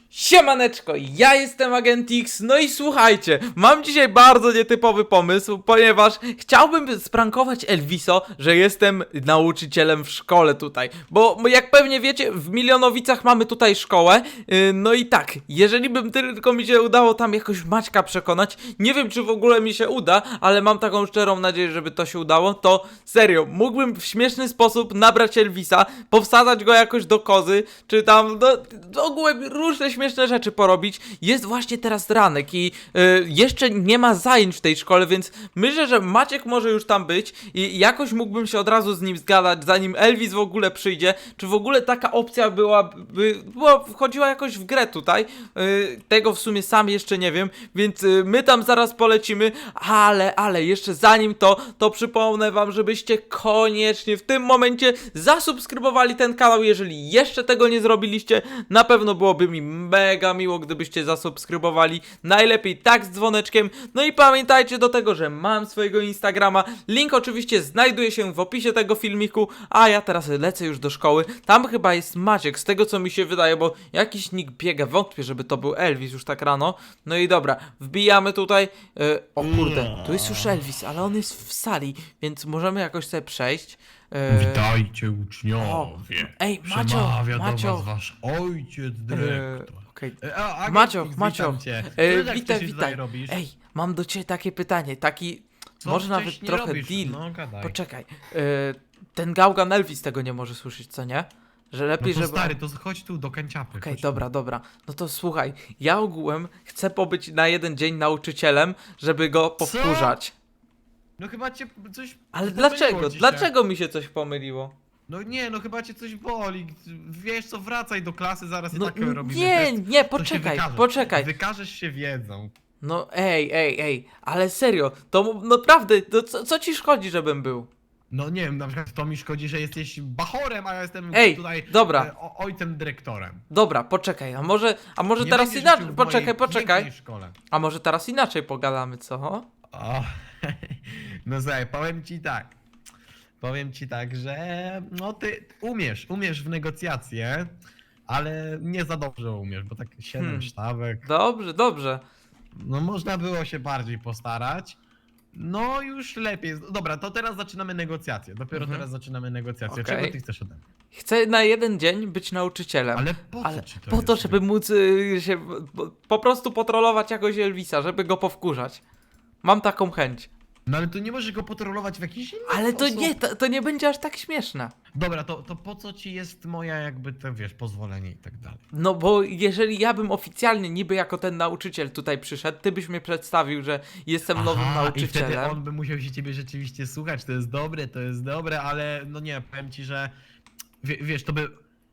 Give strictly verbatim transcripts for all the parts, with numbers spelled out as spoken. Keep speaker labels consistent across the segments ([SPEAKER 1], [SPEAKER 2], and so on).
[SPEAKER 1] Siemaneczko, ja jestem Agent X, no i słuchajcie, mam dzisiaj bardzo nietypowy pomysł, ponieważ chciałbym sprankować Elviso, że jestem nauczycielem w szkole tutaj, bo jak pewnie wiecie, w Milionowicach mamy tutaj szkołę, yy, no i tak, jeżeli bym tylko mi się udało tam jakoś Maćka przekonać, nie wiem czy w ogóle mi się uda, ale mam taką szczerą nadzieję, żeby to się udało, to serio, mógłbym w śmieszny sposób nabrać Elvisa, powsadzać go jakoś do kozy, czy tam, no, ogółem różne śmieszne rzeczy porobić. Jest właśnie teraz ranek i y, jeszcze nie ma zajęć w tej szkole, więc myślę, że Maciek może już tam być i jakoś mógłbym się od razu z nim zgadać, zanim Elvis w ogóle przyjdzie. Czy w ogóle taka opcja była, by, była wchodziła jakoś w grę tutaj? Y, tego w sumie sam jeszcze nie wiem, więc y, my tam zaraz polecimy, ale, ale jeszcze zanim to, to przypomnę wam, żebyście koniecznie w tym momencie zasubskrybowali ten kanał, jeżeli jeszcze tego nie zrobiliście. Na pewno byłoby mi mega miło, gdybyście zasubskrybowali, najlepiej tak z dzwoneczkiem. No i pamiętajcie do tego, że mam swojego Instagrama, link oczywiście znajduje się w opisie tego filmiku, a ja teraz lecę już do szkoły. Tam chyba jest Maciek, z tego co mi się wydaje, bo jakiś nick biega, wątpię, żeby to był Elvis już tak rano. No i dobra, wbijamy tutaj, yy, o kurde, tu jest już Elvis, ale on jest w sali, więc możemy jakoś sobie przejść. Yy,
[SPEAKER 2] Witajcie uczniowie.
[SPEAKER 1] Ej, Macio,
[SPEAKER 2] Przemawia
[SPEAKER 1] Macio.
[SPEAKER 2] do was wasz ojciec dyrektor.
[SPEAKER 1] Yy, okej.
[SPEAKER 2] E, a, Agent
[SPEAKER 1] Macio,
[SPEAKER 2] X,
[SPEAKER 1] Macio,
[SPEAKER 2] witam cię.
[SPEAKER 1] e,
[SPEAKER 2] Co tak
[SPEAKER 1] witaj,
[SPEAKER 2] wcześniej
[SPEAKER 1] witaj.
[SPEAKER 2] tutaj robisz?
[SPEAKER 1] Ej, mam do ciebie takie pytanie, taki,
[SPEAKER 2] Co
[SPEAKER 1] może nawet
[SPEAKER 2] wcześniej
[SPEAKER 1] trochę
[SPEAKER 2] robisz?
[SPEAKER 1] deal.
[SPEAKER 2] No gadaj.
[SPEAKER 1] Poczekaj, e, ten gałgan Elvis tego nie może słyszeć, co nie? Że
[SPEAKER 2] No
[SPEAKER 1] lepiej,
[SPEAKER 2] to
[SPEAKER 1] żeby...
[SPEAKER 2] stary, to chodź tu do kanciapy.
[SPEAKER 1] Okej,
[SPEAKER 2] chodź
[SPEAKER 1] dobra, dobra. No to słuchaj, ja ogółem chcę pobyć na jeden dzień nauczycielem, żeby go powtórzać.
[SPEAKER 2] Tu. No chyba cię coś
[SPEAKER 1] Ale
[SPEAKER 2] pomyliło
[SPEAKER 1] dlaczego?
[SPEAKER 2] dzisiaj.
[SPEAKER 1] Dlaczego mi się coś pomyliło?
[SPEAKER 2] No nie, no chyba cię coś boli. Wiesz co, wracaj do klasy, zaraz
[SPEAKER 1] No
[SPEAKER 2] i tak robimy
[SPEAKER 1] nie,
[SPEAKER 2] test.
[SPEAKER 1] nie,
[SPEAKER 2] To się
[SPEAKER 1] poczekaj,
[SPEAKER 2] wykażesz.
[SPEAKER 1] poczekaj.
[SPEAKER 2] Wykażesz się wiedzą.
[SPEAKER 1] No ej, ej, ej, ale serio, to naprawdę, to co, co ci szkodzi, żebym był?
[SPEAKER 2] No nie wiem, na przykład to mi szkodzi, że jesteś bachorem, a ja jestem
[SPEAKER 1] Ej,
[SPEAKER 2] tutaj
[SPEAKER 1] dobra.
[SPEAKER 2] e, o, ojcem dyrektorem.
[SPEAKER 1] Dobra, poczekaj, a może, a może
[SPEAKER 2] Nie
[SPEAKER 1] teraz
[SPEAKER 2] będziesz
[SPEAKER 1] inaczej,
[SPEAKER 2] uczył w
[SPEAKER 1] poczekaj,
[SPEAKER 2] mojej
[SPEAKER 1] poczekaj,
[SPEAKER 2] pięknej szkole.
[SPEAKER 1] a może teraz inaczej pogadamy, co?
[SPEAKER 2] O, no słuchaj, powiem ci tak. Powiem ci tak, że no ty umiesz, umiesz w negocjacje, ale nie za dobrze umiesz, bo tak siedem
[SPEAKER 1] Hmm.
[SPEAKER 2] sztabek.
[SPEAKER 1] Dobrze, dobrze.
[SPEAKER 2] No można było się bardziej postarać. No już lepiej. Dobra, to teraz zaczynamy negocjacje. Dopiero
[SPEAKER 1] Mhm.
[SPEAKER 2] teraz zaczynamy negocjacje.
[SPEAKER 1] Okej.
[SPEAKER 2] Czego ty chcesz ode mnie?
[SPEAKER 1] Chcę na jeden dzień być nauczycielem.
[SPEAKER 2] Ale po co
[SPEAKER 1] Ale
[SPEAKER 2] ci to
[SPEAKER 1] po to,
[SPEAKER 2] jest?
[SPEAKER 1] żeby móc y, się po, po prostu potrolować jakoś Elvisa, żeby go powkurzać. Mam taką chęć.
[SPEAKER 2] No ale to nie możesz go potrolować w jakiś inny
[SPEAKER 1] Ale to
[SPEAKER 2] sposób.
[SPEAKER 1] nie, to, to nie będzie aż tak śmieszne.
[SPEAKER 2] Dobra, to, to po co ci jest moja jakby, to wiesz, pozwolenie i tak dalej?
[SPEAKER 1] No bo jeżeli ja bym oficjalnie niby jako ten nauczyciel tutaj przyszedł, ty byś mnie przedstawił, że jestem nowym
[SPEAKER 2] Aha, i
[SPEAKER 1] nauczycielem.
[SPEAKER 2] wtedy on by musiał się ciebie rzeczywiście słuchać, to jest dobre, to jest dobre, ale no nie, powiem ci, że wie, wiesz, to by...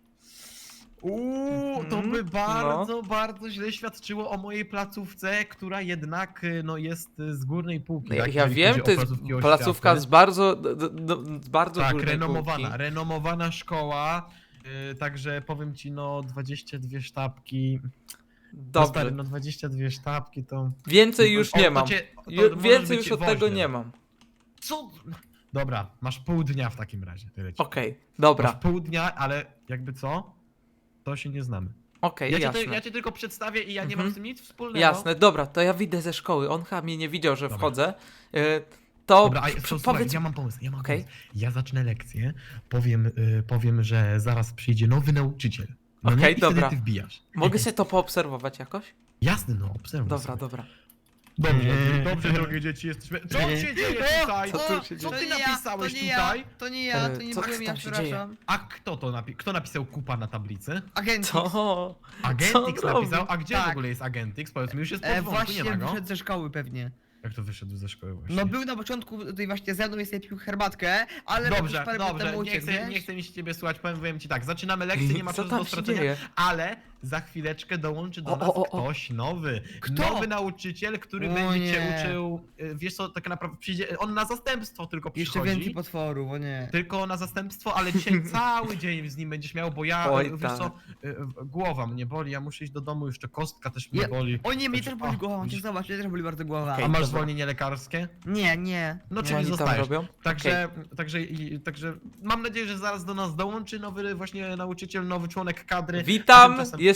[SPEAKER 2] Uuu, to
[SPEAKER 1] Mhm,
[SPEAKER 2] by bardzo, bardzo źle świadczyło o mojej placówce, która jednak y, no, jest y, z górnej półki.
[SPEAKER 1] No Ja,
[SPEAKER 2] tak,
[SPEAKER 1] ja
[SPEAKER 2] jeżeli
[SPEAKER 1] wiem,
[SPEAKER 2] chodzi
[SPEAKER 1] to
[SPEAKER 2] o
[SPEAKER 1] jest
[SPEAKER 2] placówki
[SPEAKER 1] placówka
[SPEAKER 2] oświaty.
[SPEAKER 1] z bardzo, d, d, d, z bardzo
[SPEAKER 2] Tak,
[SPEAKER 1] górnej
[SPEAKER 2] renomowana,
[SPEAKER 1] półki.
[SPEAKER 2] renomowana szkoła, y, także powiem ci, no dwadzieścia dwie sztabki, no
[SPEAKER 1] Dobrze,
[SPEAKER 2] stary, no dwadzieścia dwie sztabki to...
[SPEAKER 1] więcej już
[SPEAKER 2] o,
[SPEAKER 1] nie
[SPEAKER 2] to
[SPEAKER 1] mam.
[SPEAKER 2] cię- to
[SPEAKER 1] Ju-
[SPEAKER 2] możesz
[SPEAKER 1] Więcej
[SPEAKER 2] być
[SPEAKER 1] już od tego
[SPEAKER 2] woźnym.
[SPEAKER 1] nie mam.
[SPEAKER 2] Co? Dobra, masz pół dnia w takim razie, tyle ci.
[SPEAKER 1] Okej, dobra,
[SPEAKER 2] Masz pół dnia, ale jakby co? To się nie znamy.
[SPEAKER 1] okej,
[SPEAKER 2] Ja cię,
[SPEAKER 1] jasne.
[SPEAKER 2] to, ja cię tylko przedstawię i ja nie
[SPEAKER 1] Mhm.
[SPEAKER 2] mam z tym nic wspólnego.
[SPEAKER 1] Jasne, dobra, to ja wyjdę ze szkoły. On chyba mnie nie widział, że
[SPEAKER 2] Dobra.
[SPEAKER 1] wchodzę. Y, To
[SPEAKER 2] Dobra, a
[SPEAKER 1] p-
[SPEAKER 2] so,
[SPEAKER 1] p-
[SPEAKER 2] słuchaj,
[SPEAKER 1] powiedz.
[SPEAKER 2] ja mam pomysł, ja mam
[SPEAKER 1] Okej.
[SPEAKER 2] pomysł. Ja zacznę lekcję, powiem, y, powiem, że zaraz przyjdzie nowy nauczyciel. No nie?
[SPEAKER 1] Okej,
[SPEAKER 2] I wtedy
[SPEAKER 1] dobra.
[SPEAKER 2] ty wbijasz.
[SPEAKER 1] Mogę sobie to poobserwować jakoś?
[SPEAKER 2] Jasne, no, obserwuj
[SPEAKER 1] Dobra,
[SPEAKER 2] sobie.
[SPEAKER 1] dobra.
[SPEAKER 2] Dobrze, dobrze, drogie dzieci, jesteśmy... Co się dzieje tutaj?
[SPEAKER 1] Co tu się
[SPEAKER 2] Co
[SPEAKER 1] dzieje?
[SPEAKER 2] ty
[SPEAKER 3] To nie ja,
[SPEAKER 2] napisałeś
[SPEAKER 3] to nie
[SPEAKER 2] tutaj?
[SPEAKER 3] Ja, to nie ja, to
[SPEAKER 1] E,
[SPEAKER 3] nie
[SPEAKER 1] co
[SPEAKER 3] byłem ja,
[SPEAKER 1] tam się dzieje?
[SPEAKER 3] przepraszam.
[SPEAKER 2] A kto to napi- Kto napisał kupa na tablicy?
[SPEAKER 3] Agent
[SPEAKER 1] Co?
[SPEAKER 3] X.
[SPEAKER 1] Co
[SPEAKER 2] Agentix
[SPEAKER 1] on
[SPEAKER 2] napisał,
[SPEAKER 1] robi?
[SPEAKER 2] a gdzie w
[SPEAKER 3] Tak.
[SPEAKER 2] ogóle jest Agentix? Powiedz mi, już jest
[SPEAKER 3] E,
[SPEAKER 2] pod wątku, nie
[SPEAKER 3] właśnie
[SPEAKER 2] ma go?
[SPEAKER 3] wyszedł ze szkoły pewnie.
[SPEAKER 2] Jak to wyszedł ze szkoły właśnie?
[SPEAKER 3] No był na początku tutaj właśnie ze mną, jest pił herbatkę, ale
[SPEAKER 2] Dobrze,
[SPEAKER 3] jakoś parę minut
[SPEAKER 2] dobrze,
[SPEAKER 3] temu
[SPEAKER 2] nie
[SPEAKER 3] uciekł,
[SPEAKER 2] chcę,
[SPEAKER 3] wiesz?
[SPEAKER 2] nie chcę mi się ciebie słuchać, powiem, powiem ci tak, zaczynamy lekcję, nie ma
[SPEAKER 1] Co
[SPEAKER 2] czasu
[SPEAKER 1] tam
[SPEAKER 2] do
[SPEAKER 1] się
[SPEAKER 2] stracenia,
[SPEAKER 1] dzieje?
[SPEAKER 2] ale za chwileczkę dołączy do
[SPEAKER 1] O,
[SPEAKER 2] nas
[SPEAKER 1] o, o, o.
[SPEAKER 2] ktoś nowy.
[SPEAKER 3] Kto?
[SPEAKER 2] Nowy nauczyciel, który
[SPEAKER 3] O
[SPEAKER 2] będzie cię
[SPEAKER 3] nie.
[SPEAKER 2] uczył, y, wiesz co, tak naprawdę przyjdzie, on na zastępstwo tylko
[SPEAKER 3] Jeszcze
[SPEAKER 2] przychodzi.
[SPEAKER 3] więcej potworów, o nie.
[SPEAKER 2] Tylko na zastępstwo, ale dzisiaj cały dzień z nim będziesz miał, bo ja,
[SPEAKER 1] Oj,
[SPEAKER 2] y, wiesz
[SPEAKER 1] tak.
[SPEAKER 2] co, y, y, głowa mnie boli, ja muszę iść do domu, jeszcze kostka też mnie
[SPEAKER 3] Ja-
[SPEAKER 2] boli.
[SPEAKER 3] O nie, mnie
[SPEAKER 2] Także-
[SPEAKER 3] też boli
[SPEAKER 2] o,
[SPEAKER 3] głowa,
[SPEAKER 2] widzisz?
[SPEAKER 3] cię zobacz, mnie też boli bardzo głowa.
[SPEAKER 1] Okej.
[SPEAKER 2] A masz
[SPEAKER 1] dobra.
[SPEAKER 2] zwolnienie lekarskie?
[SPEAKER 3] Nie, nie.
[SPEAKER 2] No
[SPEAKER 1] Co
[SPEAKER 2] czyli
[SPEAKER 1] oni tam
[SPEAKER 2] zostajesz.
[SPEAKER 1] robią?
[SPEAKER 2] Także, także, i, także mam nadzieję, że zaraz do nas dołączy nowy właśnie nauczyciel, nowy członek kadry. A
[SPEAKER 1] Witam,
[SPEAKER 2] tymczasem-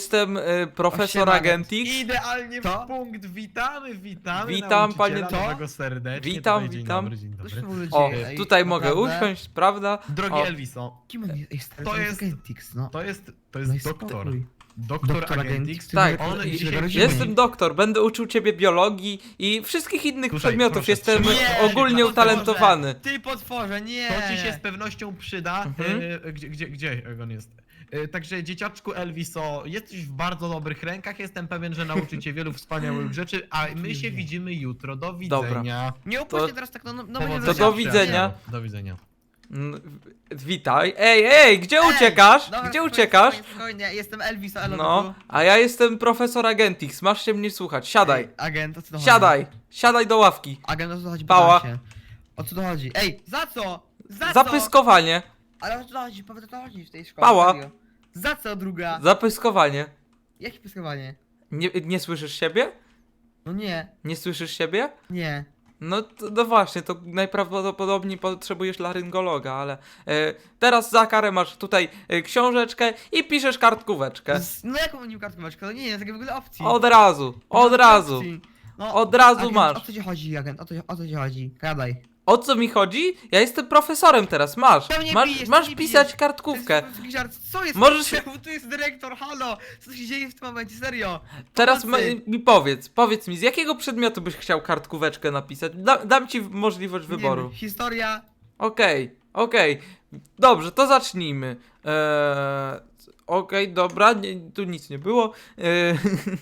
[SPEAKER 1] jestem y, profesor
[SPEAKER 3] Osiema,
[SPEAKER 1] Agentix.
[SPEAKER 2] Idealnie
[SPEAKER 3] To?
[SPEAKER 2] w punkt, witamy, witamy
[SPEAKER 1] Witam,
[SPEAKER 2] nauczyciela
[SPEAKER 1] panie-
[SPEAKER 2] nowego serdecznie.
[SPEAKER 1] Witam,
[SPEAKER 2] Tutaj, dzień
[SPEAKER 1] witam.
[SPEAKER 2] Dobry, dzień
[SPEAKER 3] Co
[SPEAKER 2] dobry.
[SPEAKER 3] się w ogóle
[SPEAKER 1] O,
[SPEAKER 3] dzieje? Ej,
[SPEAKER 1] tutaj mogę
[SPEAKER 3] naprawdę?
[SPEAKER 1] usiąść, prawda?
[SPEAKER 2] Drogi
[SPEAKER 1] O.
[SPEAKER 2] Elviso,
[SPEAKER 3] Kim on jest? Ej, stary,
[SPEAKER 2] To
[SPEAKER 3] to jest
[SPEAKER 2] jest-
[SPEAKER 3] Agentix, no.
[SPEAKER 2] to jest, to
[SPEAKER 3] No
[SPEAKER 2] jest
[SPEAKER 3] i
[SPEAKER 2] doktor.
[SPEAKER 3] spokój.
[SPEAKER 2] Doktor,
[SPEAKER 3] Doktor
[SPEAKER 2] Agentix.
[SPEAKER 3] Agentix,
[SPEAKER 1] Tak,
[SPEAKER 3] ty
[SPEAKER 2] on
[SPEAKER 3] wygra-
[SPEAKER 2] dzisiaj-
[SPEAKER 3] wyraźnie
[SPEAKER 1] Jestem
[SPEAKER 3] mówi.
[SPEAKER 1] doktor, będę uczył ciebie biologii i wszystkich innych
[SPEAKER 2] Słuchaj,
[SPEAKER 1] przedmiotów.
[SPEAKER 2] proszę,
[SPEAKER 1] Jestem
[SPEAKER 2] trzymaj
[SPEAKER 3] Nie,
[SPEAKER 1] ogólnie
[SPEAKER 3] ty
[SPEAKER 1] utalentowany.
[SPEAKER 3] potworze, Ty potworze, nie!
[SPEAKER 2] To ci się z pewnością przyda.
[SPEAKER 1] Mhm.
[SPEAKER 2] E, gdzie, gdzie, gdzie on jest? E, także dzieciaczku Elviso, jesteś w bardzo dobrych rękach. Jestem pewien, że nauczy cię wielu wspaniałych rzeczy, a my się widzimy jutro. Do
[SPEAKER 1] Dobra.
[SPEAKER 2] widzenia.
[SPEAKER 3] Nie upuść
[SPEAKER 1] To-
[SPEAKER 3] się teraz tak, no, no, no
[SPEAKER 2] Powodzenia.
[SPEAKER 3] będzie
[SPEAKER 1] To do
[SPEAKER 3] zawsze.
[SPEAKER 1] widzenia.
[SPEAKER 2] Do widzenia.
[SPEAKER 1] Mm, Witaj. Ej, ej, gdzie
[SPEAKER 3] Ej,
[SPEAKER 1] uciekasz?
[SPEAKER 3] dobra,
[SPEAKER 1] Gdzie
[SPEAKER 3] spokojnie,
[SPEAKER 1] uciekasz?
[SPEAKER 3] Spokojnie, spokojnie, jestem Elvis, elo
[SPEAKER 1] No, a ja jestem profesor Agentix. Masz się mnie słuchać. Siadaj.
[SPEAKER 3] Agent, o co to chodzi?
[SPEAKER 1] Siadaj. Siadaj do ławki.
[SPEAKER 3] Agent, o co to chodzi?
[SPEAKER 1] Pała.
[SPEAKER 3] Pytam się. O co to chodzi? Ej, za co? Za co?
[SPEAKER 1] Zapyskowanie.
[SPEAKER 3] Ale o co to chodzi? Powiedz, o co to chodzi w tej szkole.
[SPEAKER 1] Pała.
[SPEAKER 3] serio. Za co druga?
[SPEAKER 1] Zapyskowanie.
[SPEAKER 3] Jakie pyskowanie?
[SPEAKER 1] Nie, nie słyszysz siebie?
[SPEAKER 3] No nie,
[SPEAKER 1] Nie słyszysz siebie?
[SPEAKER 3] nie.
[SPEAKER 1] No, to, no właśnie, to najprawdopodobniej potrzebujesz laryngologa, ale e, teraz za karę masz tutaj e, książeczkę i piszesz kartkóweczkę.
[SPEAKER 3] Z- No jaką nim kartkóweczkę? No nie, nie, takiej w ogóle opcji.
[SPEAKER 1] Od razu, od
[SPEAKER 3] Nie ma
[SPEAKER 1] razu.
[SPEAKER 3] opcji. No,
[SPEAKER 1] Od razu
[SPEAKER 3] agent,
[SPEAKER 1] masz.
[SPEAKER 3] O co ci chodzi, agent? O co, o co ci chodzi? Gadaj.
[SPEAKER 1] O co mi chodzi? Ja jestem profesorem teraz, masz.
[SPEAKER 3] To mnie
[SPEAKER 1] Masz,
[SPEAKER 3] bijesz, to
[SPEAKER 1] masz
[SPEAKER 3] mnie
[SPEAKER 1] pisać
[SPEAKER 3] bijesz.
[SPEAKER 1] kartkówkę.
[SPEAKER 3] To jest taki żart. Co jest?
[SPEAKER 1] Możesz-
[SPEAKER 3] Czemu tu jest dyrektor? Halo! Co się dzieje w tym momencie? Serio?
[SPEAKER 1] Teraz ma,
[SPEAKER 3] Pomocy.
[SPEAKER 1] mi powiedz, powiedz mi, z jakiego przedmiotu byś chciał kartkóweczkę napisać? Da, dam ci możliwość
[SPEAKER 3] Nie
[SPEAKER 1] wyboru.
[SPEAKER 3] wiem, historia.
[SPEAKER 1] Okej, okej. Dobrze, to zacznijmy. Eee, okej, dobra, nie, tu nic nie było. Eee,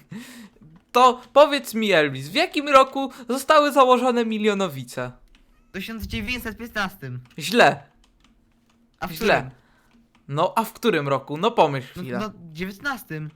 [SPEAKER 1] to powiedz mi, Elvis, w jakim roku zostały założone milionowice?
[SPEAKER 3] W tysiąc dziewięćset piętnastym.
[SPEAKER 1] Źle,
[SPEAKER 3] A w
[SPEAKER 1] źle.
[SPEAKER 3] którym?
[SPEAKER 1] No, a w którym roku? No pomyśl
[SPEAKER 3] No,
[SPEAKER 1] chwilę.
[SPEAKER 3] no dziewiętnastym.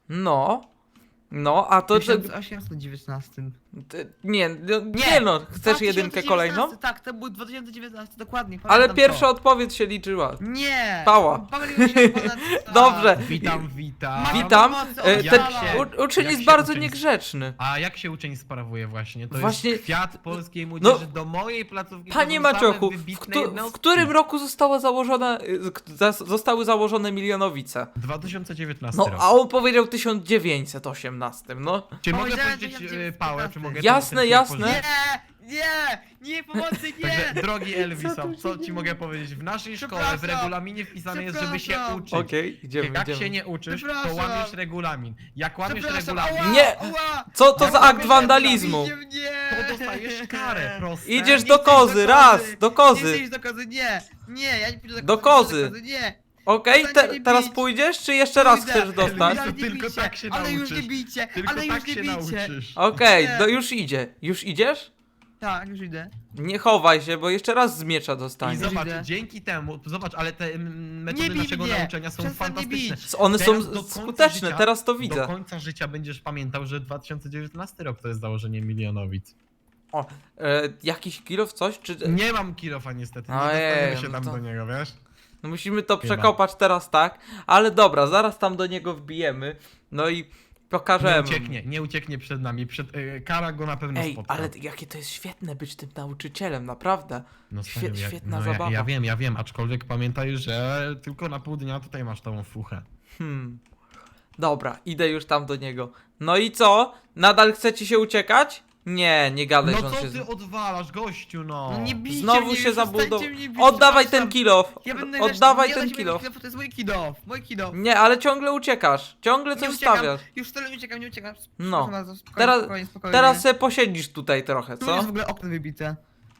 [SPEAKER 1] No, no, a to... to
[SPEAKER 3] tysiąc osiemset dziewiętnastym.
[SPEAKER 1] ty- nie, no, nie no, chcesz jedynkę kolejną?
[SPEAKER 3] Tak, to był dwa tysiące dziewiętnasty, dokładnie.
[SPEAKER 1] Ale
[SPEAKER 3] pamiętam
[SPEAKER 1] pierwsza
[SPEAKER 3] to.
[SPEAKER 1] odpowiedź się liczyła.
[SPEAKER 3] Nie!
[SPEAKER 1] Pała.
[SPEAKER 3] Pomyliłem się ponad...
[SPEAKER 1] Dobrze.
[SPEAKER 2] Witam, witam.
[SPEAKER 3] Ma-
[SPEAKER 1] Witam.
[SPEAKER 3] pomocy,
[SPEAKER 1] E,
[SPEAKER 3] oddziała.
[SPEAKER 1] ten
[SPEAKER 2] Jak się-
[SPEAKER 1] u, uczeń
[SPEAKER 2] jak
[SPEAKER 1] jest
[SPEAKER 2] się
[SPEAKER 1] bardzo
[SPEAKER 2] uczeń-
[SPEAKER 1] niegrzeczny.
[SPEAKER 2] A jak się uczeń sprawuje właśnie? To
[SPEAKER 1] Właśnie-
[SPEAKER 2] jest kwiat polskiej młodzieży do mojej placówki.
[SPEAKER 1] Panie
[SPEAKER 2] to są same
[SPEAKER 1] Maciochu, w,
[SPEAKER 2] wybitne
[SPEAKER 1] któ- w
[SPEAKER 2] jednostki.
[SPEAKER 1] którym roku została założona, y, k- zas- zostały założone milionowice?
[SPEAKER 2] dwa tysiące dziewiętnasty
[SPEAKER 1] No,
[SPEAKER 2] rok.
[SPEAKER 1] a on powiedział tysiąc dziewięćset osiemnaście, no.
[SPEAKER 2] Czy mogę
[SPEAKER 3] Powiedziałem
[SPEAKER 2] powiedzieć
[SPEAKER 3] tysiąc
[SPEAKER 2] e,
[SPEAKER 3] dziewięćset
[SPEAKER 2] pałę, czy mogę... ten-
[SPEAKER 1] Jasne,
[SPEAKER 2] ten film
[SPEAKER 1] jasne.
[SPEAKER 2] pożyczyć?
[SPEAKER 3] Nie! Nie! Nie, pomocy, nie!
[SPEAKER 2] Także, drogi Elviso,
[SPEAKER 1] tu się
[SPEAKER 2] co ci
[SPEAKER 1] dzieje?
[SPEAKER 2] mogę powiedzieć? W naszej szkole, w
[SPEAKER 3] Przepraszam.
[SPEAKER 2] regulaminie wpisane jest, żeby się
[SPEAKER 3] Przepraszam.
[SPEAKER 2] uczyć.
[SPEAKER 1] Okej, idziemy,
[SPEAKER 2] Jak
[SPEAKER 1] idziemy.
[SPEAKER 2] się nie uczysz, to
[SPEAKER 3] Przepraszam.
[SPEAKER 2] łamiesz regulamin. Jak łamiesz
[SPEAKER 3] Przepraszam,
[SPEAKER 2] regulamin,
[SPEAKER 3] ała,
[SPEAKER 1] Nie.
[SPEAKER 3] ała.
[SPEAKER 1] Co to
[SPEAKER 2] Jak
[SPEAKER 1] za akt
[SPEAKER 2] robisz
[SPEAKER 1] wandalizmu?
[SPEAKER 3] Nie, nie.
[SPEAKER 2] to dostajesz karę, proste.
[SPEAKER 1] Idziesz
[SPEAKER 3] Nie
[SPEAKER 1] do
[SPEAKER 3] chcę
[SPEAKER 1] kozy,
[SPEAKER 3] iść do
[SPEAKER 1] raz,
[SPEAKER 3] kozy.
[SPEAKER 1] do
[SPEAKER 3] Nie
[SPEAKER 1] kozy.
[SPEAKER 3] chcę iść do kozy, nie! Nie, ja nie pójdę do kozy.
[SPEAKER 1] Do
[SPEAKER 3] nie
[SPEAKER 1] kozy.
[SPEAKER 3] do kozy, Nie!
[SPEAKER 1] Okej,
[SPEAKER 3] Przestańcie
[SPEAKER 1] te,
[SPEAKER 3] mnie
[SPEAKER 1] teraz
[SPEAKER 3] bić.
[SPEAKER 1] pójdziesz, czy jeszcze raz
[SPEAKER 3] Pójdę.
[SPEAKER 1] chcesz dostać?
[SPEAKER 3] Ale
[SPEAKER 2] Tylko
[SPEAKER 3] nie bijcie,
[SPEAKER 2] tak się
[SPEAKER 3] ale już nie
[SPEAKER 2] nauczysz.
[SPEAKER 3] bijcie,
[SPEAKER 2] Tylko
[SPEAKER 3] ale
[SPEAKER 2] tak
[SPEAKER 3] już nie
[SPEAKER 2] się
[SPEAKER 3] bijcie.
[SPEAKER 2] nauczysz.
[SPEAKER 1] Okej,
[SPEAKER 3] Nie.
[SPEAKER 1] no już idzie. Już idziesz?
[SPEAKER 3] Tak, już idę.
[SPEAKER 1] Nie chowaj się, bo jeszcze raz z miecza
[SPEAKER 2] I
[SPEAKER 1] dostaniesz.
[SPEAKER 3] za-
[SPEAKER 2] zobacz,
[SPEAKER 3] Idę.
[SPEAKER 2] dzięki temu, zobacz, ale te mm,
[SPEAKER 3] Nie
[SPEAKER 2] metody
[SPEAKER 3] bij
[SPEAKER 2] naszego
[SPEAKER 3] mnie.
[SPEAKER 2] nauczania są
[SPEAKER 3] Przestań mnie
[SPEAKER 2] fantastyczne.
[SPEAKER 3] bić.
[SPEAKER 1] One
[SPEAKER 2] Teraz
[SPEAKER 1] są
[SPEAKER 2] do końca
[SPEAKER 1] skuteczne,
[SPEAKER 2] życia-
[SPEAKER 1] teraz to
[SPEAKER 2] Do
[SPEAKER 1] widzę.
[SPEAKER 2] końca życia będziesz pamiętał, że dwa tysiące dziewiętnasty rok to jest założenie milionowic.
[SPEAKER 1] O, e, jakiś kilof, coś? Czy...
[SPEAKER 2] Nie mam kilofa niestety, nie
[SPEAKER 1] Ojej,
[SPEAKER 2] dostaniemy się
[SPEAKER 1] no
[SPEAKER 2] tam
[SPEAKER 1] to-
[SPEAKER 2] do niego, wiesz?
[SPEAKER 1] No musimy to
[SPEAKER 2] Chyba.
[SPEAKER 1] przekopać teraz tak, ale dobra, zaraz tam do niego wbijemy, no i
[SPEAKER 2] Nie
[SPEAKER 1] pokażemy.
[SPEAKER 2] ucieknie, nie ucieknie przed nami, przed, y, kara go na pewno
[SPEAKER 1] Ej,
[SPEAKER 2] spotka.
[SPEAKER 1] ale jakie to jest świetne być tym nauczycielem, naprawdę.
[SPEAKER 2] No,
[SPEAKER 1] świe-
[SPEAKER 2] stary, ja-
[SPEAKER 1] świetna
[SPEAKER 2] no, ja,
[SPEAKER 1] zabawa.
[SPEAKER 2] ja wiem, ja wiem, aczkolwiek pamiętaj, że tylko na pół dnia tutaj masz tą fuchę.
[SPEAKER 1] Hmm. Dobra, idę już tam do niego. No i co? Nadal chcecie się uciekać? Nie, nie gadaj, że
[SPEAKER 2] No
[SPEAKER 1] on
[SPEAKER 2] co
[SPEAKER 1] się...
[SPEAKER 2] ty odwalasz, gościu, no?
[SPEAKER 3] No nie bijcie
[SPEAKER 1] Znowu
[SPEAKER 3] mnie,
[SPEAKER 1] się
[SPEAKER 3] już
[SPEAKER 1] zabudował.
[SPEAKER 3] przestańcie mnie bić,
[SPEAKER 1] Oddawaj ten
[SPEAKER 3] przepraszam.
[SPEAKER 1] kilof!
[SPEAKER 3] Ja będę
[SPEAKER 1] Oddawaj
[SPEAKER 3] nie
[SPEAKER 1] ten
[SPEAKER 3] dać mi
[SPEAKER 1] kilof!
[SPEAKER 3] kilof, to jest mój kilof, mój kilof.
[SPEAKER 1] Nie, ale ciągle uciekasz. Ciągle
[SPEAKER 3] Nie
[SPEAKER 1] coś
[SPEAKER 3] uciekam,
[SPEAKER 1] stawiasz.
[SPEAKER 3] już wcale nie uciekam, nie uciekam.
[SPEAKER 1] No.
[SPEAKER 3] Przepraszam bardzo, spokojnie,
[SPEAKER 1] Teraz-
[SPEAKER 3] spokojnie, spokojnie.
[SPEAKER 1] Teraz se posiedzisz tutaj trochę,
[SPEAKER 3] Tu
[SPEAKER 1] co?
[SPEAKER 3] jest w ogóle okno wybite.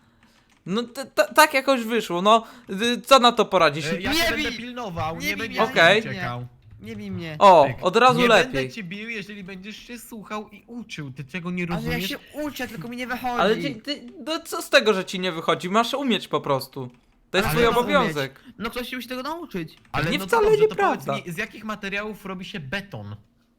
[SPEAKER 1] No t- t- tak jakoś wyszło, no. Y, Co na to poradzisz?
[SPEAKER 2] E, Ja
[SPEAKER 3] Nie
[SPEAKER 2] cię
[SPEAKER 3] bij!
[SPEAKER 2] będę pilnował,
[SPEAKER 3] Nie
[SPEAKER 2] nie,
[SPEAKER 3] bij
[SPEAKER 2] będziesz
[SPEAKER 3] mnie,
[SPEAKER 1] Okej.
[SPEAKER 2] uciekał.
[SPEAKER 3] Nie bij mnie.
[SPEAKER 1] O,
[SPEAKER 2] Tyk.
[SPEAKER 1] od razu
[SPEAKER 2] nie
[SPEAKER 1] lepiej.
[SPEAKER 2] będę cię bił, jeżeli będziesz się słuchał i uczył. Ty tego nie
[SPEAKER 3] Ale ja
[SPEAKER 2] rozumiesz?
[SPEAKER 3] się uczę, tylko mi nie wychodzi.
[SPEAKER 1] Ale ty, ty, no co z tego, że ci nie wychodzi? Masz umieć po prostu. To jest
[SPEAKER 3] Ale
[SPEAKER 1] twój
[SPEAKER 3] ja mam
[SPEAKER 1] obowiązek.
[SPEAKER 3] No ktoś się musi tego nauczyć.
[SPEAKER 2] Ale
[SPEAKER 1] Nie
[SPEAKER 2] no to
[SPEAKER 1] wcale
[SPEAKER 2] dobrze,
[SPEAKER 1] nieprawda.
[SPEAKER 2] To powiedz mi, z jakich materiałów robi się beton?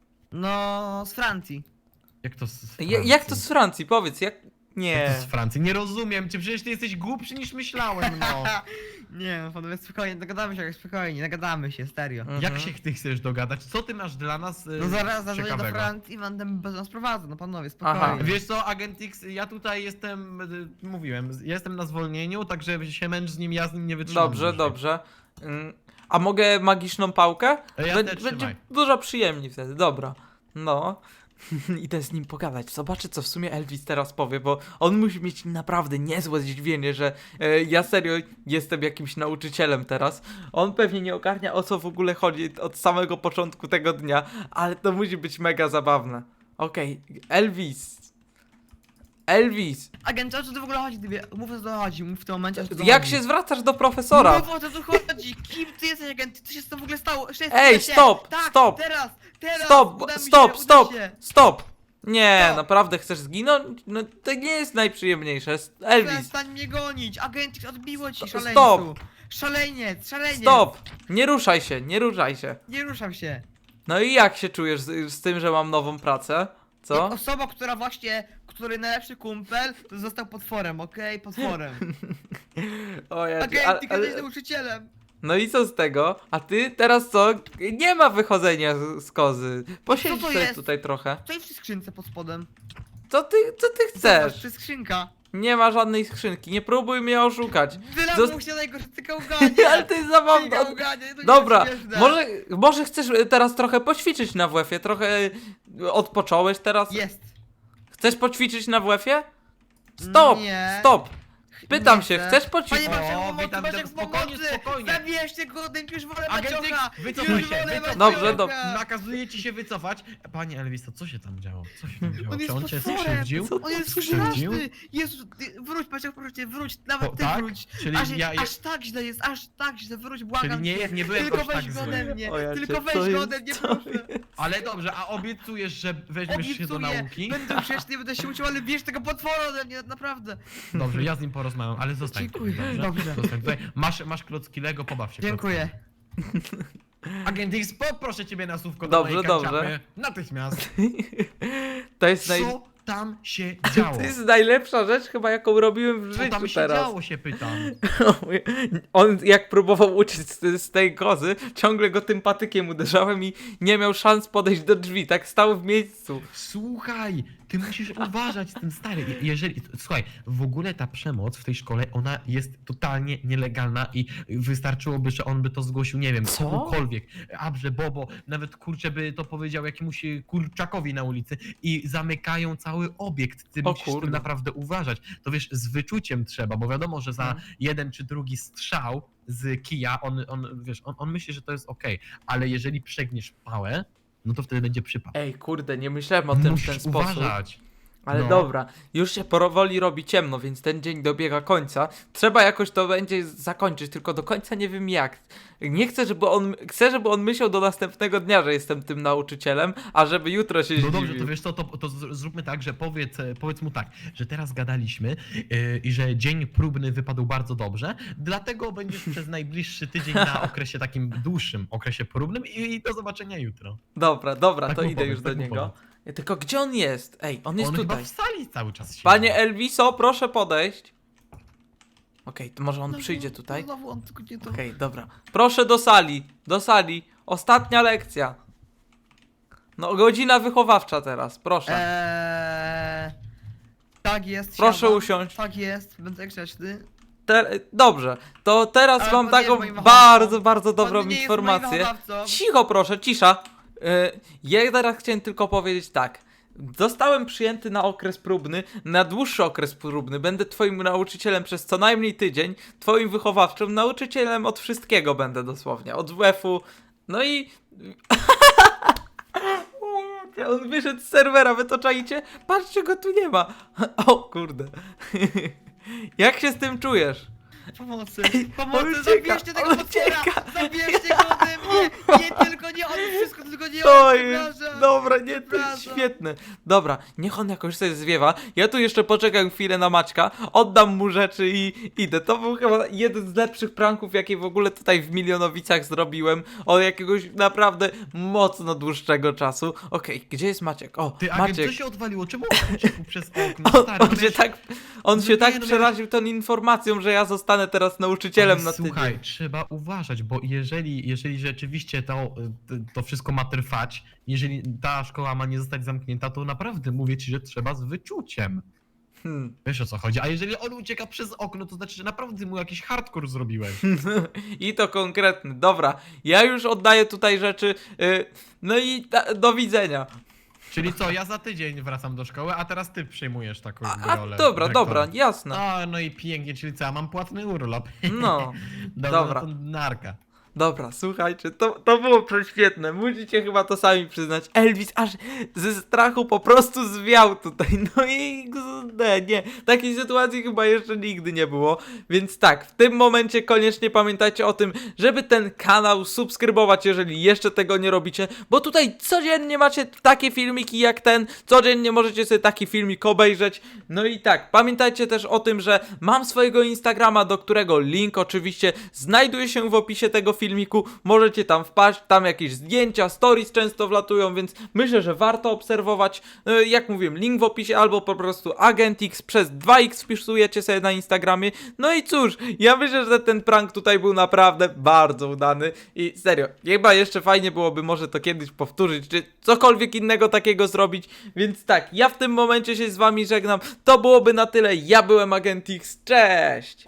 [SPEAKER 3] No, z Francji.
[SPEAKER 2] Jak to z
[SPEAKER 1] Ja,
[SPEAKER 2] Francji?
[SPEAKER 1] jak to z Francji? Powiedz, jak...
[SPEAKER 2] Jak
[SPEAKER 1] Nie.
[SPEAKER 2] to z Francji? Nie rozumiem cię, przecież ty jesteś głupszy niż myślałem, no.
[SPEAKER 3] Nie no, panowie, spokojnie, dogadamy się, spokojnie, nagadamy się, serio.
[SPEAKER 1] Mhm.
[SPEAKER 2] Jak się ty chcesz dogadać? Co ty masz dla nas y,
[SPEAKER 3] No zaraz zadzwonię do
[SPEAKER 2] ciekawego?
[SPEAKER 3] Francji i będę bez nas prowadzę, no panowie, spokojnie.
[SPEAKER 1] Aha.
[SPEAKER 2] Wiesz co, Agent X, ja tutaj jestem, y, mówiłem, jestem na zwolnieniu, także się męcz z nim, ja z nim nie wytrzymam.
[SPEAKER 1] Dobrze,
[SPEAKER 2] dłużej.
[SPEAKER 1] dobrze. Ym, A mogę magiczną pałkę?
[SPEAKER 2] E, ja
[SPEAKER 1] Bę-
[SPEAKER 2] też
[SPEAKER 1] Będzie
[SPEAKER 2] trzymaj.
[SPEAKER 1] dużo przyjemniej wtedy, dobra. No. Idę z nim pogadać. Zobaczę, co w sumie Elvis teraz powie, bo on musi mieć naprawdę niezłe zdziwienie, że e, ja serio jestem jakimś nauczycielem teraz. On pewnie nie ogarnia, o co w ogóle chodzi od samego początku tego dnia, ale to musi być mega zabawne. Okej, Elvis. Elvis,
[SPEAKER 3] Agent, o co tu w ogóle chodzi? Ty mów, o co tu chodzi, mów w tym momencie, o co tu
[SPEAKER 1] jak
[SPEAKER 3] chodzi.
[SPEAKER 1] się zwracasz do profesora?
[SPEAKER 3] Mów, o co tu chodzi, kim ty jesteś, agent? Co się z tym w ogóle stało? Jeszcze jest-
[SPEAKER 1] Ej,
[SPEAKER 3] uda się.
[SPEAKER 1] stop,
[SPEAKER 3] tak,
[SPEAKER 1] stop.
[SPEAKER 3] teraz, teraz,
[SPEAKER 1] Stop,
[SPEAKER 3] uda mi
[SPEAKER 1] stop,
[SPEAKER 3] się,
[SPEAKER 1] stop,
[SPEAKER 3] uda się.
[SPEAKER 1] stop! Nie,
[SPEAKER 3] Stop.
[SPEAKER 1] naprawdę chcesz zginąć? No to nie jest najprzyjemniejsze. Elvis,
[SPEAKER 3] Przestań mnie gonić, agent, odbiło ci,
[SPEAKER 1] Stop.
[SPEAKER 3] szaleńcu. Szaleniec, szaleniec.
[SPEAKER 1] stop! Nie ruszaj się, nie ruszaj się.
[SPEAKER 3] Nie ruszam się.
[SPEAKER 1] No i jak się czujesz z, z tym, że mam nową pracę?
[SPEAKER 3] Jak
[SPEAKER 1] Co?
[SPEAKER 3] osoba, która właśnie, który najlepszy kumpel, to został potworem, okej? Potworem.
[SPEAKER 1] O ja,
[SPEAKER 3] Agent,
[SPEAKER 1] ale,
[SPEAKER 3] ty
[SPEAKER 1] ale,
[SPEAKER 3] jesteś nauczycielem.
[SPEAKER 1] no i co z tego? A ty teraz co? Nie ma wychodzenia z, z kozy. Posiedź
[SPEAKER 3] Co to
[SPEAKER 1] sobie
[SPEAKER 3] jest?
[SPEAKER 1] tutaj trochę.
[SPEAKER 3] Co jest w skrzynce pod spodem?
[SPEAKER 1] Co ty, co ty
[SPEAKER 3] Zobacz,
[SPEAKER 1] chcesz?
[SPEAKER 3] to jest skrzynka.
[SPEAKER 1] Nie ma żadnej skrzynki, nie próbuj mnie oszukać.
[SPEAKER 3] Wylamuł
[SPEAKER 1] Zost-
[SPEAKER 3] się najgorsze, ty gałganie.
[SPEAKER 1] Ale to jest zabawne.
[SPEAKER 3] Ty gałganie, to nie
[SPEAKER 1] Dobra,
[SPEAKER 3] jest śmieszne.
[SPEAKER 1] może, może chcesz teraz trochę poćwiczyć na W F-ie? Trochę odpocząłeś teraz?
[SPEAKER 3] Jest.
[SPEAKER 1] Chcesz poćwiczyć na W F-ie? Stop!
[SPEAKER 3] Nie.
[SPEAKER 1] Stop! Pytam
[SPEAKER 3] Nie
[SPEAKER 1] się,
[SPEAKER 3] chcę.
[SPEAKER 1] chcesz
[SPEAKER 3] Panie
[SPEAKER 1] poćwiczyć?
[SPEAKER 3] Maciek,
[SPEAKER 2] O,
[SPEAKER 3] pomocy,
[SPEAKER 2] witam,
[SPEAKER 3] Maciek,
[SPEAKER 2] witam, spokojnie,
[SPEAKER 3] pomocy!
[SPEAKER 2] spokojnie.
[SPEAKER 3] Zabierzcie go, już wolę
[SPEAKER 2] Agent
[SPEAKER 3] Maciocha!
[SPEAKER 2] X, wycofaj
[SPEAKER 3] Już
[SPEAKER 2] się,
[SPEAKER 3] wolę
[SPEAKER 2] wycofaj
[SPEAKER 1] Dobrze,
[SPEAKER 3] Maciocha!
[SPEAKER 1] dobrze.
[SPEAKER 2] Nakazuje ci się wycofać. Panie Elviso, co się tam działo? Co się tam działo?
[SPEAKER 3] On
[SPEAKER 2] Czy
[SPEAKER 3] jest
[SPEAKER 2] on cię
[SPEAKER 3] potworem!
[SPEAKER 2] skrzywdził?
[SPEAKER 1] Co
[SPEAKER 3] On jest
[SPEAKER 2] skrzywdził?
[SPEAKER 3] straszny! Jezu, ty, wróć Maciek, proszę cię, wróć, nawet
[SPEAKER 2] O,
[SPEAKER 3] ty
[SPEAKER 2] tak?
[SPEAKER 3] wróć!
[SPEAKER 2] Czyli
[SPEAKER 3] Aż,
[SPEAKER 2] ja-
[SPEAKER 3] aż tak źle jest, aż tak źle, wróć, błagam
[SPEAKER 2] Czyli nie,
[SPEAKER 3] cię.
[SPEAKER 2] nie byłem
[SPEAKER 3] Tylko
[SPEAKER 2] aż tak
[SPEAKER 3] weź go
[SPEAKER 2] zły.
[SPEAKER 3] ode mnie,
[SPEAKER 1] O ja
[SPEAKER 3] tylko
[SPEAKER 1] cię,
[SPEAKER 3] weź
[SPEAKER 1] co
[SPEAKER 3] go
[SPEAKER 1] jest?
[SPEAKER 3] ode mnie,
[SPEAKER 1] Co
[SPEAKER 3] proszę!
[SPEAKER 2] Ale dobrze, a obiecujesz, że weźmiesz się do
[SPEAKER 3] Obiecuję,
[SPEAKER 2] nauki?
[SPEAKER 3] będę grzeczny, będę się uczył, ale bierz tego potwora ode mnie, naprawdę!
[SPEAKER 2] Dobrze, ja z nim porozmawiam, ale zostań
[SPEAKER 3] Dziękuję,
[SPEAKER 2] tutaj,
[SPEAKER 3] dobrze.
[SPEAKER 2] Zostań tutaj. Masz, masz klocki Lego, pobaw się
[SPEAKER 3] Dziękuję.
[SPEAKER 2] klockami. Agent X, poproszę ciebie na słówko
[SPEAKER 1] Dobrze,
[SPEAKER 2] do mojej
[SPEAKER 1] dobrze.
[SPEAKER 2] kanciapy. Natychmiast.
[SPEAKER 1] To jest, naj...
[SPEAKER 2] Co tam się działo?
[SPEAKER 1] to jest najlepsza rzecz chyba, jaką robiłem w
[SPEAKER 2] Co tam
[SPEAKER 1] życiu
[SPEAKER 2] się
[SPEAKER 1] teraz.
[SPEAKER 2] działo, się pytam.
[SPEAKER 1] On jak próbował uciec z, z tej kozy, ciągle go tym patykiem uderzałem i nie miał szans podejść do drzwi, tak stał w miejscu.
[SPEAKER 2] Słuchaj, ty musisz uważać z tym, stary. Je- Jeżeli, słuchaj, w ogóle ta przemoc w tej szkole, ona jest totalnie nielegalna i wystarczyłoby, że on by to zgłosił, nie wiem,
[SPEAKER 1] Co?
[SPEAKER 2] komukolwiek. Abrze, Bobo, nawet kurczę by to powiedział jakiemuś kurczakowi na ulicy i zamykają cały obiekt. Ty
[SPEAKER 1] O
[SPEAKER 2] musisz z
[SPEAKER 1] kurde.
[SPEAKER 2] tym naprawdę uważać. To wiesz, z wyczuciem trzeba, bo wiadomo, że za
[SPEAKER 1] Mhm.
[SPEAKER 2] jeden czy drugi strzał z kija, on, on wiesz, on, on myśli, że to jest okej, ale jeżeli przegniesz pałę, no to wtedy będzie przypał.
[SPEAKER 1] Ej, kurde, nie myślałem o tym w
[SPEAKER 2] Musisz
[SPEAKER 1] ten sposób.
[SPEAKER 2] uważać.
[SPEAKER 1] Ale
[SPEAKER 2] No.
[SPEAKER 1] dobra, już się powoli robi ciemno, więc ten dzień dobiega końca. Trzeba jakoś to będzie zakończyć, tylko do końca nie wiem jak. Nie chcę, żeby on, chcę, żeby on myślał do następnego dnia, że jestem tym nauczycielem, a żeby jutro się
[SPEAKER 2] No
[SPEAKER 1] zdziwił.
[SPEAKER 2] dobrze, to wiesz co, to, to z- zróbmy tak, że powiedz, e, powiedz mu tak, że teraz gadaliśmy yy, i że dzień próbny wypadł bardzo dobrze, dlatego będziesz przez najbliższy tydzień na okresie takim dłuższym okresie próbnym i, i do zobaczenia jutro.
[SPEAKER 1] Dobra, dobra,
[SPEAKER 2] Tak
[SPEAKER 1] to
[SPEAKER 2] mu
[SPEAKER 1] idę
[SPEAKER 2] powiedz,
[SPEAKER 1] już do
[SPEAKER 2] tak mu
[SPEAKER 1] niego.
[SPEAKER 2] powiedz.
[SPEAKER 1] Tylko gdzie on jest? Ej, on jest
[SPEAKER 2] On
[SPEAKER 1] tutaj.
[SPEAKER 2] chyba w sali cały czas siedzi.
[SPEAKER 1] Panie Elviso, proszę podejść. Okej, to może on
[SPEAKER 3] No,
[SPEAKER 1] przyjdzie
[SPEAKER 3] no,
[SPEAKER 1] tutaj?
[SPEAKER 3] Znowu on tylko nie to.
[SPEAKER 1] Okej, dobra. Proszę do sali, do sali. Ostatnia lekcja. No, godzina wychowawcza teraz, proszę.
[SPEAKER 3] Eee, tak jest.
[SPEAKER 1] Proszę
[SPEAKER 3] siadam.
[SPEAKER 1] usiąść.
[SPEAKER 3] Tak jest, będę grzeczny.
[SPEAKER 1] Te, dobrze, to teraz
[SPEAKER 3] Ale
[SPEAKER 1] mam
[SPEAKER 3] pan nie
[SPEAKER 1] taką
[SPEAKER 3] jest moim
[SPEAKER 1] bardzo,
[SPEAKER 3] wychowawcą.
[SPEAKER 1] bardzo
[SPEAKER 3] Pan
[SPEAKER 1] dobrą
[SPEAKER 3] nie jest
[SPEAKER 1] informację.
[SPEAKER 3] moim wychowawcą.
[SPEAKER 1] Cicho proszę, cisza. Yy, ja teraz chciałem tylko powiedzieć tak. Zostałem przyjęty na okres próbny, na dłuższy okres próbny. Będę twoim nauczycielem przez co najmniej tydzień, twoim wychowawczym, nauczycielem od wszystkiego będę dosłownie. Od W F-u, no i... On wyszedł z serwera, wy to czaicie? Patrzcie, go tu nie ma. O kurde. Jak się z tym czujesz?
[SPEAKER 3] Pomocy,
[SPEAKER 1] on
[SPEAKER 3] pomocy,
[SPEAKER 1] ucieka,
[SPEAKER 3] zabierzcie tego
[SPEAKER 1] on
[SPEAKER 3] potwora!
[SPEAKER 1] ucieka.
[SPEAKER 3] Zabierzcie go ode mnie! Nie tylko nie on, wszystko tylko nie
[SPEAKER 1] To
[SPEAKER 3] on,
[SPEAKER 1] jest,
[SPEAKER 3] przepraszam.
[SPEAKER 1] dobra, nie, to jest
[SPEAKER 3] Przepraszam.
[SPEAKER 1] świetne. Dobra, niech on jakoś sobie zwiewa. Ja tu jeszcze poczekam chwilę na Maćka, oddam mu rzeczy i idę. To był chyba jeden z lepszych pranków, jakie w ogóle tutaj w Milionowicach zrobiłem. Od jakiegoś naprawdę mocno dłuższego czasu. Okej, gdzie jest Maciek? O,
[SPEAKER 2] Ty, agent,
[SPEAKER 1] Maciek.
[SPEAKER 2] co się odwaliło? Czemu on uciekł przez okno?
[SPEAKER 1] On,
[SPEAKER 2] Stary,
[SPEAKER 1] on się
[SPEAKER 2] wiesz-
[SPEAKER 1] tak, on
[SPEAKER 2] No
[SPEAKER 1] się
[SPEAKER 2] nie,
[SPEAKER 1] tak
[SPEAKER 2] no
[SPEAKER 1] przeraził tą informacją, że ja zostanę teraz nauczycielem
[SPEAKER 2] Ale
[SPEAKER 1] na tydzień.
[SPEAKER 2] Słuchaj, trzeba uważać, bo jeżeli, jeżeli rzeczywiście to, to wszystko ma trwać, jeżeli ta szkoła ma nie zostać zamknięta, to naprawdę mówię ci, że trzeba z wyczuciem.
[SPEAKER 1] Hmm.
[SPEAKER 2] Wiesz o co chodzi, a jeżeli on ucieka przez okno, to znaczy, że naprawdę mu jakiś hardcore zrobiłeś.
[SPEAKER 1] I to konkretny. Dobra, ja już oddaję tutaj rzeczy. y, No i da, do widzenia.
[SPEAKER 2] Czyli co, ja za tydzień wracam do szkoły, a teraz ty przejmujesz taką
[SPEAKER 1] A,
[SPEAKER 2] jakby
[SPEAKER 1] a
[SPEAKER 2] rolę
[SPEAKER 1] dobra,
[SPEAKER 2] dyrektora.
[SPEAKER 1] dobra, jasne.
[SPEAKER 2] No, no i pięknie, czyli co, ja mam płatny urlop.
[SPEAKER 1] No,
[SPEAKER 2] Dobra,
[SPEAKER 1] dobra.
[SPEAKER 2] No to narka.
[SPEAKER 1] Dobra, słuchajcie, to, to było prześwietne. Musicie chyba to sami przyznać. Elvis aż ze strachu po prostu zwiał tutaj. No i nie, nie. Takiej sytuacji chyba jeszcze nigdy nie było. Więc tak, w tym momencie koniecznie pamiętajcie o tym, żeby ten kanał subskrybować, jeżeli jeszcze tego nie robicie. Bo tutaj codziennie macie takie filmiki jak ten. Codziennie możecie sobie taki filmik obejrzeć. No i tak, pamiętajcie też o tym, że mam swojego Instagrama, do którego link oczywiście znajduje się w opisie tego filmiku. Możecie tam wpaść, tam jakieś zdjęcia, stories często wlatują, więc myślę, że warto obserwować. E, Jak mówiłem, link w opisie albo po prostu AgentX przez dwa X wpisujecie sobie na Instagramie. No i cóż, ja myślę, że ten prank tutaj był naprawdę bardzo udany i serio, chyba jeszcze fajnie byłoby może to kiedyś powtórzyć, czy cokolwiek innego takiego zrobić, więc tak, ja w tym momencie się z wami żegnam. To byłoby na tyle, ja byłem AgentX, cześć!